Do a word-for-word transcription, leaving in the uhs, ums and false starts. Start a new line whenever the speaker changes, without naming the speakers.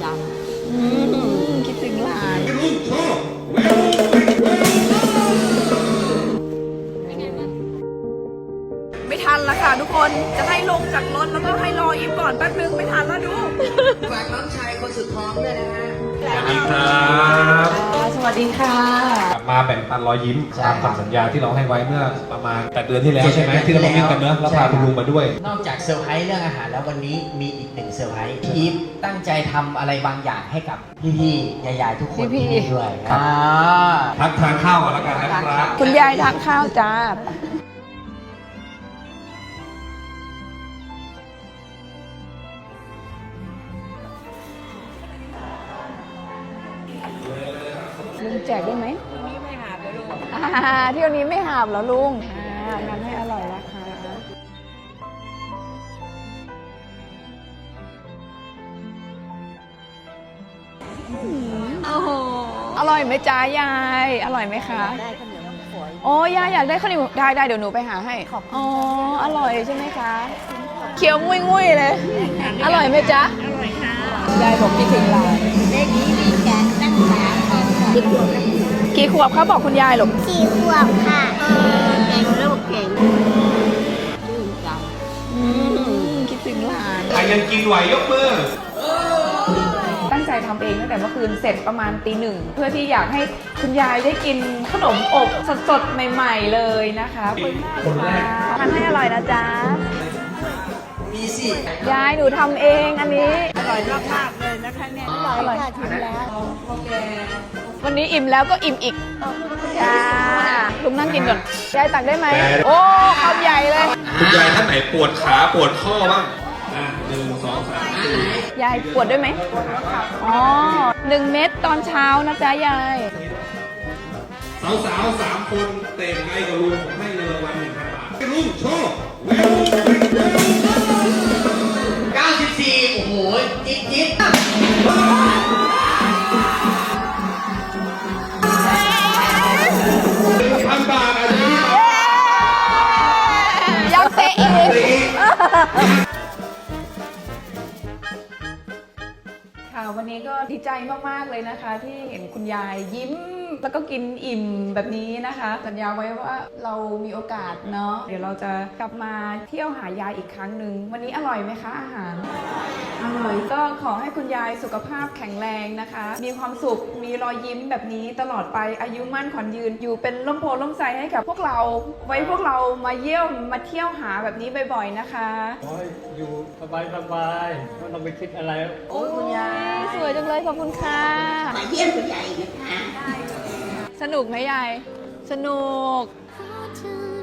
จัง
คิดถึงหลานไม่ทันละค่ะทุกคนจะให้ลงจากรถแล้วก็ให้รออิมก่อนแป๊บนึงไม่ทันแล้วดู
ฝากน้องชายคนสุดท้องด้วยนะฮะ
สวัสดีครับ
สวัสดีค่ะ
กลับมาแบ่งปันรอยยิ้มตามคำสัญญาที่เราให้ไว้เมื่อประมาณแปดเดือนที่แล้วใช่ไหมที่เรามาวิ่งกันเนอะแล้วพาคุณลุงมาด้วย
นอกจากเซอร์ไพรส์เรื่องอาหารแล้ววันนี้มีอีกหนึ่งเซอร์ไพรส์อีฟตั้งใจทำอะไรบางอย่างให้กับพี่ๆยายๆทุกคนที่นี่ด้วย
ทักทานข้าวก่อนแล้วกันนะครับ
คุณยายทานข้าวจ้าลุงแจกได้ไหมนี้ไม่หาบเลยลุงเที่ยวนี้ไม่หาบเหรอลุงอ่างั้นให้อร่อยนะคะโอ้โหอร่อยไหมจ้ายายอร่อยไหมคะได้ข้าวเหนียวน้ำฝอยโอ้ยายอยากได้ข้าวเหนียวได้ได้เดี๋ยวหนูไปหาให้อ๋ออร่อยใช่ไหมคะเคี้ยวงุ้ยงุ้ยเลยอร่อยไหมจ๊ะอร่อยค่ะยายผมคิดถึงหลาน
เลขนี้มีการตั้งสามกี่ขวบ
กี่ขวบเขาบอกคุณยายหรอ
สี่ขวบค่ะเก่งลูกเก่งชื่นใจ
คิดถึงหลาน
ใครยังกินไหวยกมือ
ตั้งใจทำเองตั้งแต่เมื่อคืนเสร็จประมาณตีหนึ่งเพื่อที่อยากให้คุณยายได้กินขนมอบสดๆใหม่ๆเลยนะคะคุณแม่ทานให้อร่อยนะจ๊ะ
มีสิ
ยายหนูทำเองอันนี้
อร่อยมากๆเลยนะคะเนี่ยอร่อยค่ะชิมแล้ว
วันนี้อิ่มแล้วก็อิ่มอีกจ้าลุงนั่งกินก่อนยายตักได้ไหมโอ้คำใหญ่เลย
คุณยายท่านไหนปวดขาปวดข้อบ้างหนึ่งสองสามสี่
ยายปวดด้วยไหมอ๋อหนึ่งเม็ดตอนเช้านะจ๊ะยาย
สาวๆสามคนเตะไงกับลุงผมให้เงินรางวัลหนึ่งพันบาทลุงโชว์
เก้าสิบสี่โอ้โหจิ๊ดจิ๊ด
พันบาทอันนี้
ยังเตะอีกค่ะวันนี้ก็ดีใจมากๆเลยนะคะที่เห็นคุณยายยิ้มแล้วก็กินอิ่มแบบนี้นะคะสัญญาไว้ว่าเรามีโอกาสเนาะเดี๋ยวเราจะกลับมาเที่ยวหายายอีกครั้งหนึ่งวันนี้อร่อยไหมคะอาหารอร่อยก็ขอให้คุณยายสุขภาพแข็งแรงนะคะมีความสุขมีรอยยิ้มแบบนี้ตลอดไปอายุมั่นขวัญยืนอยู่เป็นร่มโพล่มไทรให้กับพวกเราไว้พวกเรามาเยี่ยมมาเที่ยวหาแบบนี้บ่อยๆนะคะ
ขอให้อยู่สบายๆไม่ต้องไปคิดอะไร
โอ้ยคุณยายสวยจังเลยขอบคุณค่ะ
มาเยี่ยมคุณยายนะคะ
สนุกไหมยายสนุก